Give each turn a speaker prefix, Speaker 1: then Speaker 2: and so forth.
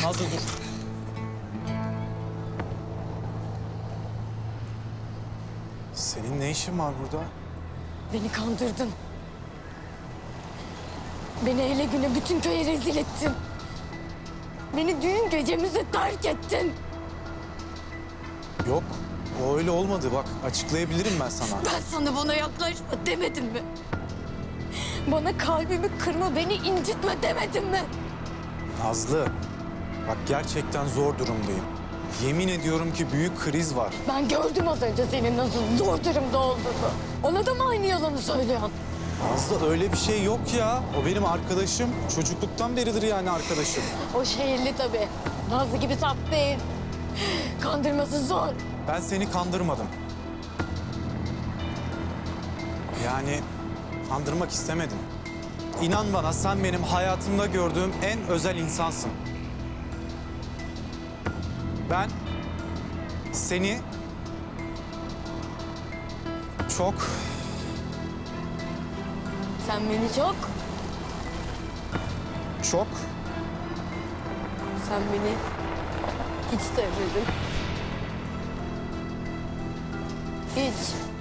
Speaker 1: Nazlı dur.
Speaker 2: Senin ne işin var burada?
Speaker 3: Beni kandırdın. Beni hele güne bütün köye rezil ettin. Beni düğün gecemize terk ettin.
Speaker 2: Yok, o öyle olmadı. Bak, açıklayabilirim ben sana.
Speaker 3: Ben sana bana yaklaşma demedim mi? Bana kalbimi kırma, beni incitme demedim mi?
Speaker 2: Nazlı, bak gerçekten zor durumdayım. Yemin ediyorum ki büyük kriz var.
Speaker 3: Ben gördüm az önce senin nasıl zor durumda olduğunu. Ona da mı aynı yalanı söylüyorsun?
Speaker 2: Nazlı öyle bir şey yok ya. O benim arkadaşım. Çocukluktan beridir yani arkadaşım.
Speaker 3: O şehirli tabii. Nazlı gibi saf değil. Kandırması zor.
Speaker 2: Ben seni kandırmadım. Yani kandırmak istemedim. İnan bana, sen benim hayatımda gördüğüm en özel insansın. Ben seni çok,
Speaker 3: Sen beni çok,
Speaker 2: çok
Speaker 3: sen beni hiç sevmedin. Hiç.